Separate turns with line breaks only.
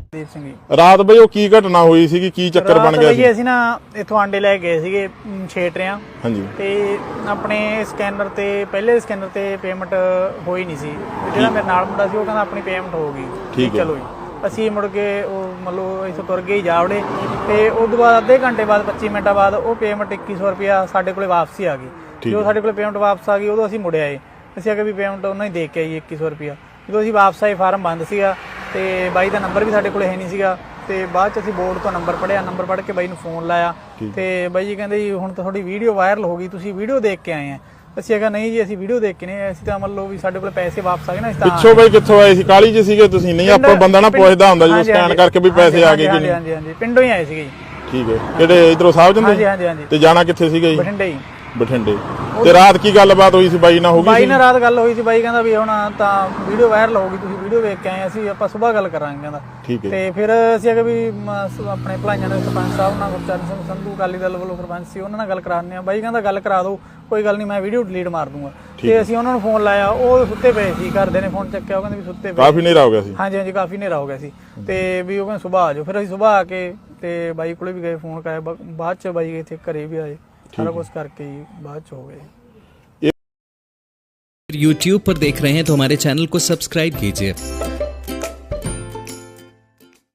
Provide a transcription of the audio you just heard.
ਦੀਪ ਸਿੰਘ ਜੀ।
ਰਾਤ ਬਈ ਉਹ ਕੀ ਘਟਨਾ ਹੋਈ ਸੀਗੀ, ਕੀ ਚੱਕਰ ਬਣ ਗਿਆ ਸੀ?
ਅਸੀਂ ਨਾ ਇੱਥੋਂ ਆਂਡੇ ਲੈ ਗਏ ਸੀਗੇ ਛੇਟਰਿਆਂ।
ਹਾਂਜੀ।
ਤੇ ਆਪਣੇ ਸਕੈਨਰ ਤੇ ਪਹਿਲੇ ਸਕੈਨਰ ਤੇ ਪੇਮੈਂਟ ਹੋਈ ਨਹੀਂ ਸੀ। ਜਿਹੜਾ ਮੇਰੇ ਨਾਲ ਮੁੰਡਾ ਸੀ ਉਹ ਕਹਿੰਦਾ ਆਪਣੀ ਪੇਮੈਂਟ ਹੋ ਗਈ।
ਠੀਕ ਹੈ।
ਚਲੋ ਜੀ ਅਸੀਂ ਮੁੜ ਕੇ ਉਹ ਮਤਲਬ ਇੱਥੋਂ ਤੁਰ ਗਏ ਜਾਵੜੇ ਤੇ ਉਸ ਤੋਂ ਬਾਅਦ ਅੱਧੇ ਘੰਟੇ ਬਾਅਦ 25 ਮਿੰਟਾਂ ਬਾਅਦ ਉਹ ਪੇਮੈਂਟ 2100 ਰੁਪਇਆ ਸਾਡੇ ਕੋਲੇ ਵਾਪਸੀ ਆ ਗਈ। ਜਦੋਂ ਸਾਡੇ ਕੋਲੇ ਪੇਮੈਂਟ ਵਾਪਸ ਆ ਗਈ ਉਦੋਂ ਅਸੀਂ ਮੁੜ ਆਏ। ਅਸੀਂ ਆਖਿਆ ਵੀ ਪੇਮੈਂਟ ਉਹਨਾਂ ਹੀ ਦੇ ਕੇ ਆਈ 2100 ਰੁਪਇਆ। ਜਦੋਂ ਅਸੀਂ ਵਾਪਸ ਆਏ ਫਾਰਮ ਬੰਦ ਸੀਗਾ ਤੇ ਬਾਈ ਦਾ ਨੰਬਰ ਵੀ ਸਾਡੇ ਕੋਲੇ ਹੈ ਨਹੀਂ ਸੀਗਾ। ਤੇ ਬਾਅਦ ਚ ਅਸੀਂ ਬੋਰਡ ਤੋਂ ਨੰਬਰ ਪੜਿਆ, ਨੰਬਰ ਪੜ੍ਹ ਕੇ ਬਾਈ ਨੂੰ ਫੋਨ ਲਾਇਆ ਤੇ ਬਾਈ ਜੀ ਕਹਿੰਦੇ ਜੀ ਹੁਣ ਤਾਂ ਤੁਹਾਡੀ ਵੀਡੀਓ ਵਾਇਰਲ ਹੋ ਗਈ, ਤੁਸੀਂ ਵੀਡੀਓ ਦੇਖ ਕੇ ਆਏ ਆ। ਅਸੀਂ ਕਿਹਾ ਨਹੀਂ ਜੀ ਅਸੀਂ ਵੀਡੀਓ ਦੇਖ ਕੇ ਨਹੀਂ, ਅਸੀਂ ਤਾਂ ਮੰਨ ਲਓ ਵੀ ਸਾਡੇ ਕੋਲ ਪੈਸੇ ਵਾਪਸ ਆ ਗਏ ਨਾ।
ਪਿੱਛੋਂ ਬਾਈ ਕਿੱਥੋਂ ਆਏ ਸੀ? ਕਾਲੀ ਚ ਸੀਗੇ ਤੁਸੀਂ? ਨਹੀਂ ਆਪਾਂ ਬੰਦਾ ਨਾ ਪੁੱਛਦਾ ਹੁੰਦਾ ਜਦੋਂ ਸਕੈਨ ਕਰਕੇ ਵੀ ਪੈਸੇ ਆ ਗਏ ਕਿ ਨਹੀਂ।
ਹਾਂਜੀ ਹਾਂਜੀ ਪਿੰਡੋਂ ਹੀ ਆਏ ਸੀਗੇ ਜੀ।
ਠੀਕ ਹੈ। ਕਿਹੜੇ ਇਧਰੋਂ ਸਾਹਿਬ ਜੰਦੇ?
ਹਾਂਜੀ ਹਾਂਜੀ ਹਾਂਜੀ।
ਤੇ ਜਾਣਾ ਕਿੱਥੇ ਸੀਗਾ ਜੀ?
ਬਠਿੰਡੇ ਹੀ।
ਬਠਿੰਡੇ। ਤੇ ਰਾਤ ਕੀ ਗੱਲਬਾਤ ਹੋਈ ਸੀ ਬਾਈ ਨਾਲ? ਹੋ ਗਈ
ਬਾਈ ਨਾਲ ਰਾਤ ਗੱਲ ਹੋਈ ਸੀ। ਬਾਈ ਕਹਿੰਦਾ ਵੀ ਹੁਣ ਤਾਂ ਵੀਡੀਓ ਵਾਇਰਲ ਹੋ ਗਈ, ਤੁਸੀਂ ਵੀਡੀਓ ਵੇਖ ਕੇ ਆਏ, ਅਸੀਂ ਆਪਾਂ ਸਵੇਰ ਗੱਲ ਕਰਾਂਗੇ ਕਹਿੰਦਾ।
ਠੀਕ ਹੈ।
ਤੇ ਫਿਰ ਅਸੀਂ ਅਗੇ ਵੀ ਆਪਣੇ ਭਲਾਈਆਂ ਦੇ ਸਰਪੰਚ ਸਾਹਿਬ ਨਾਲ ਗੁਰਚਰਨ ਸਿੰਘ ਸੰਧੂ ਅਕਾਲੀ ਦਲ ਵੱਲੋਂ ਸਰਪੰਚ ਸੀ, ਉਹਨਾਂ ਨਾਲ ਗੱਲ ਕਰਾਉਂਦੇ ਆ। ਬਾਈ ਕਹਿੰਦਾ ਗੱਲ ਕਰਾ ਦਿਓ, ਕੋਈ ਗੱਲ ਨਹੀਂ, ਮੈਂ ਵੀਡੀਓ ਡਿਲੀਟ ਮਾਰ ਦੂੰਗਾ। ਤੇ ਅਸੀਂ ਉਹਨਾਂ ਨੂੰ ਫੋਨ ਲਾਇਆ, ਉਹ ਸੁੱਤੇ ਪਏ ਸੀ। ਘਰਦੇ ਨੇ ਫੋਨ ਚੱਕਿਆ, ਉਹ ਕਹਿੰਦੇ ਵੀ ਸੁੱਤੇ ਪਏ।
ਕਾਫੀ ਹਨੇਰਾ ਹੋ ਗਿਆ ਸੀ?
ਹਾਂਜੀ ਹਾਂਜੀ ਕਾਫੀ ਹਨੇਰਾ ਹੋ ਗਿਆ ਸੀ। ਤੇ ਵੀ ਉਹ ਕਹਿੰਦੇ ਸੁਬਾਹ ਆ ਜਾਓ। ਫਿਰ ਅਸੀਂ ਸੁਬਾਹ ਆ ਕੇ ਤੇ ਬਾਈ ਕੋਲੇ ਵੀ ਗਏ, ਫੋਨ ਕਰਾਇਆ। ਬਾਅਦ ਚ ਬਾਈ ਇੱਥੇ ਘਰੇ ਵੀ ਆਏ, सारा कुछ करके ही बाद हो गए।
YouTube पर देख रहे हैं तो हमारे चैनल को सब्सक्राइब कीजिए